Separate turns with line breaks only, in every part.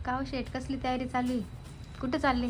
काव शेट कसली तयारी चालू आहे? कुठे चालली?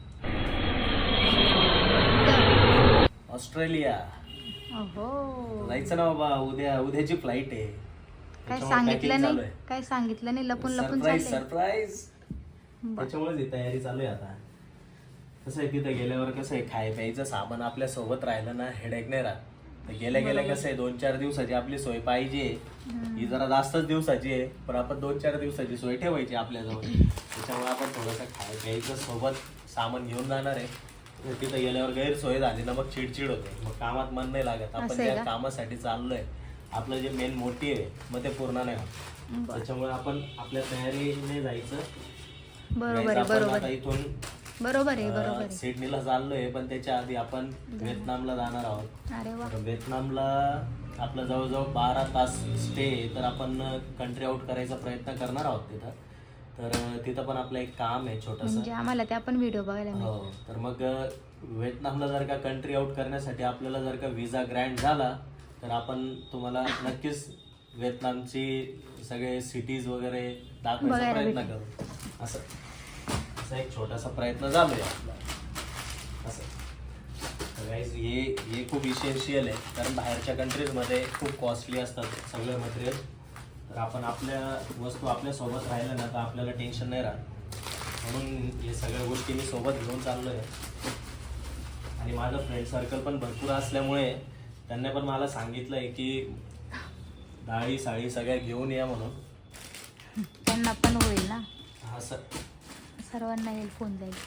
ऑस्ट्रेलिया
ओहो,
जायचं ना बाबा. उद्याची फ्लाईट आहे.
काय
त्याच्यामुळे
सांगितलं
packing
नाही?
चालू आहे.
काय सांगितलं नाही? लपून लपून
सरप्राईज
चालले.
सरप्राईज. त्याच्यामुळेच ही तयारी चालू आहे आता. कसं आहे तिथं गेल्यावर कसं आहे खाय प्यायचं सामान आपल्या सोबत राहिलं ना हेडेक नाही राहत. तर गेल्या गेल्या कसं आहे 2-4 दिवसाची आपली सोय पाहिजे. ही जरा जास्तच दिवसाची आहे पण आपण 2-4 दिवसाची सोय ठेवायची आपल्याजवळ. त्याच्यामुळे आपण थोडंसं खाय प्यायचं सोबत सामान घेऊन जाणार आहे. तिथं गेल्यावर गैरसोय झाली ना मग चिडचिड होते, मग कामात मन नाही लागत. आपण
असं आहे
त्या
का?
कामासाठी चाललोय, आपलं जे मेन मोटिव्ह आहे मग ते पूर्ण नाही होत. त्याच्यामुळे आपण आपल्या तयारीने जायचं.
बरोबर
Guys,
आहे,
आपण
बरोबर
आता
आहे,
इथून
बरोबर आहे, बरोबर आहे.
सिडनीला चाललोय पण त्याच्या आधी आपण व्हिएतनामला जाणार आहोत.
अरे वा,
तर व्हिएतनामला आपलं जवळजवळ 12 तास स्टे, तर आपण कंट्री आउट करायचा प्रयत्न करणार आहोत तिथं. तर तिथं पण आपलं एक काम आहे छोटंसं.
म्हणजे आम्हाला त्या पण व्हिडिओ बघायला मिळेल.
हो, तर मग व्हिएतनामला जर का कंट्री आउट करण्यासाठी आपल्याला जर का विजा ग्रँट झाला तर आपण तुम्हाला नक्कीच व्हिएतनामची सगळे सिटीज वगैरे दाखवायचा
बघायला
प्रयत्न
भेटेल.
करू. असं असा एक छोटासा प्रयत्न चालू आहे आपला. असं तर guys, हे खूप इसेन्शियल आहे कारण बाहेरच्या कंट्रीजमध्ये खूप कॉस्टली असतात सगळे मटेरियल. तर आपण आपल्या वस्तू आपल्या सोबत राहिल्या ना तर आपल्याला टेन्शन नाही राहत. म्हणून हे सगळ्या गोष्टी मी सोबत घेऊन चाललो आहे. आणि माझं फ्रेंड सर्कल पण भरपूर असल्यामुळे त्यांनी पण मला सांगितलं आहे की डाळी साडी सगळ्या घेऊन या म्हणून.
त्यांना पण होईल ना,
हा सर.
सर्वांना येईल, फोन जाईल.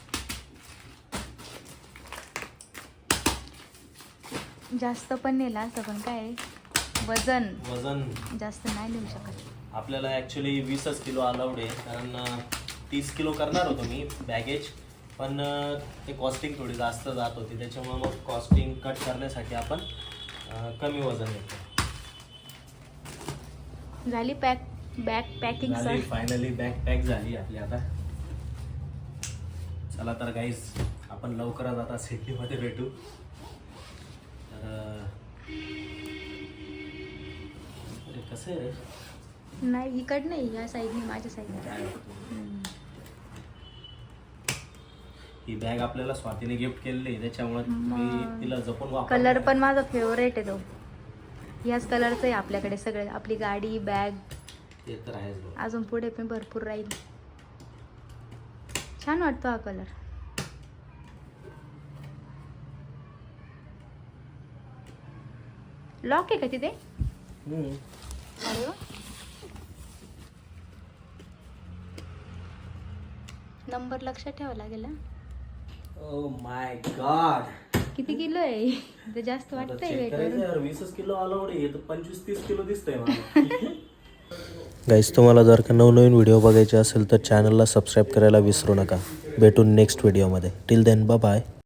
जास्त पण नेला असं पण काय वजन
वजन
जास्त नाही नेऊ शकत.
आपल्याला ॲक्च्युली 20 किलो अलाउड आहे कारण 30 किलो करणार होतो मी बॅगेज, पण ते कॉस्टिंग थोडी जास्त जात होती. त्याच्यामुळे मग कॉस्टिंग कट करण्यासाठी आपण कमी वजन घेतो.
झाली bag packing sir.
Finally bag pack झाली आपली आता. चला तर गाईज आपण लवकरच आता सिडनीमध्ये भेटू. तर अरे कसं आहे रे,
नाही इकड नाही, या साईडने, माझ्या साईडने.
ही बॅग आपल्याला स्वातीने गिफ्ट केलेली आहे त्याच्यामुळे मी तिला जपून वापर.
कलर पण माझा फेवरेट आहे तो. याच कलरचं आहे आपल्याकडे सगळं, आपली गाडी, बॅग.
ते तर आहेच बघ.
अजून पुढे पण भरपूर राहील. छान वाटतो हा कलर. लॉक आहे का तिथे? अरे वा. नंबर लक्षात ठेवावा लागेल ना.
ओ माय गॉड,
किती किलो आहे ते? जास्त वाटतंय वेट वरून.
20 किलो अलाउड आहे, 25-30 किलो दिसतंय मला. गाईस, तुम्हाला जर का नवनवीन व्हिडिओ बघायचे असेल तर चॅनलला सबस्क्राईब करायला विसरू नका. भेटून नेक्स्ट व्हिडिओमध्ये. Till then bye bye.